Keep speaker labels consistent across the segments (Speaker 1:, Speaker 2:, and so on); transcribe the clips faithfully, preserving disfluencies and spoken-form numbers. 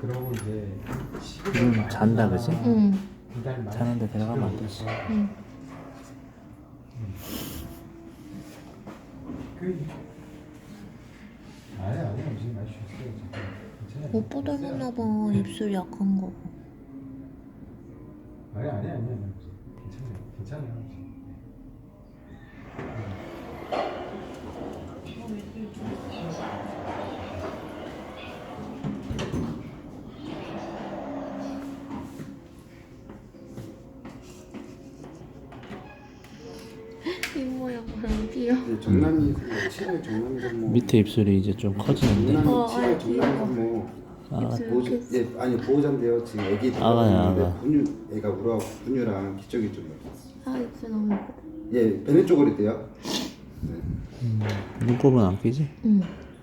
Speaker 1: 그러고 이제
Speaker 2: 음, 잔다 그지?
Speaker 3: 응.
Speaker 2: 자는데 들어가면 안 되지.
Speaker 3: 응.
Speaker 1: 그 아니 아니 음식 많이 쉬었어요. 괜찮아요.
Speaker 3: 오빠 닮았나 봐. 입술 약한 거.
Speaker 1: 아니 아니 아니 아니 괜찮아요. 괜찮아요.
Speaker 3: 입 모양 너무 귀여워.
Speaker 4: 네, 정남이 칠월 정남이 산모
Speaker 2: 밑에 입술이 이제 좀 커지는데.
Speaker 4: 정남이
Speaker 3: 어,
Speaker 4: 칠월
Speaker 3: 아,
Speaker 4: 정남이 산모
Speaker 2: 아,
Speaker 3: 입술
Speaker 4: 보호자,
Speaker 3: 이렇게
Speaker 4: 예, 아니 보호자인데요. 지금 애기
Speaker 2: 아가야,
Speaker 4: 데려갔는데
Speaker 2: 아가.
Speaker 4: 분유 애가 울어 분유랑 기저귀 좀 넣었어요.
Speaker 3: 아 입술 너무 예뻐.
Speaker 4: 예, 베네 쪽으로 있대요. 네.
Speaker 2: 음, 눈곱은 안 끼지?
Speaker 3: 응.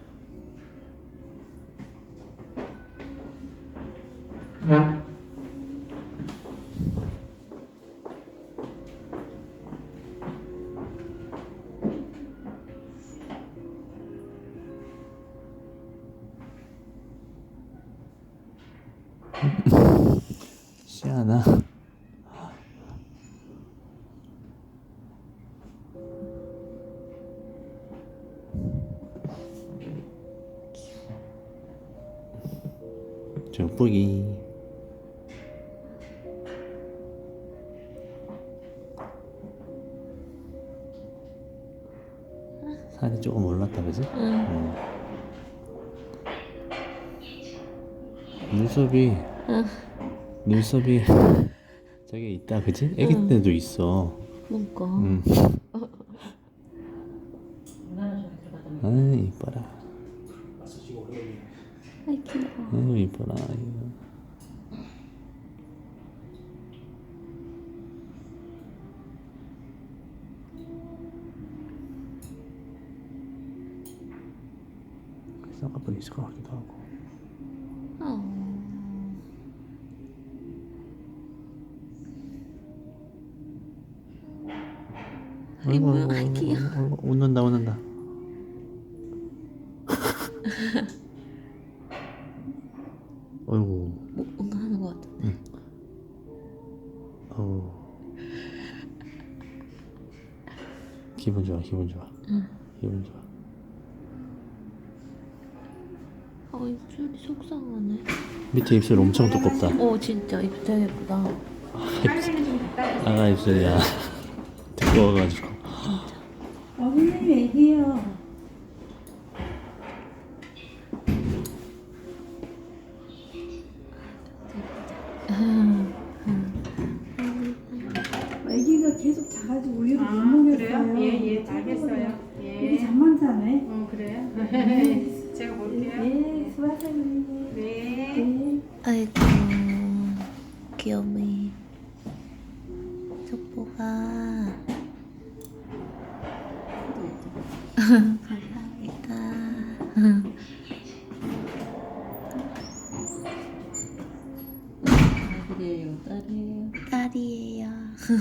Speaker 2: 시아나. 저쁘기. 살이 조금 올랐다 그지?
Speaker 3: 응.
Speaker 2: 음. 눈썹이
Speaker 3: 응.
Speaker 2: 눈썹이 저기 있다 그지? 애기
Speaker 3: 응.
Speaker 2: 때도 있어.
Speaker 3: 뭔가.
Speaker 2: 음. 아 이뻐라.
Speaker 3: 아이 귀여워.
Speaker 2: 아유 이뻐라. 이거. 쌍꺼풀 있을 것 같기도 하고.
Speaker 3: 어. 이 뭐야? 아이 귀여워.
Speaker 2: 아이고, 웃는다 웃는다. 어이구.
Speaker 3: 뭐, 뭔가 하는 것 같아.
Speaker 2: 어우. 기분 좋아 기분 좋아.
Speaker 3: 응.
Speaker 2: 기분 좋아.
Speaker 3: 아 입술이 속상하네.
Speaker 2: 밑에 입술 엄청 두껍다.
Speaker 3: 어 진짜 입술 되게 예쁘다.
Speaker 2: 아가 입술이야. 두꺼워가지고.
Speaker 5: 어머님 얘기해요. 애기가 계속 자가지고 우유를
Speaker 6: 아,
Speaker 5: 못 먹였어요.
Speaker 6: 그래요? 예, 예, 알겠어요. 예.
Speaker 5: 애기 잠만 자네.
Speaker 6: 어, 그래요? 제가 볼게요.
Speaker 5: 예, 수고하세요.
Speaker 6: 네.
Speaker 5: 네.
Speaker 3: 아이고 귀여미. 족보가. 감사합니다.
Speaker 6: 딸이에요, 딸이에요.
Speaker 3: 딸이에요.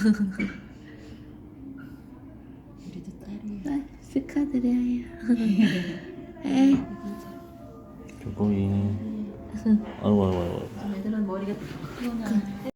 Speaker 6: 우리도 딸이에요.
Speaker 3: 아, 축하드려요. 에.
Speaker 2: 조금이. 아이고 아이고 아이고.
Speaker 6: 애들은 머리가 크거나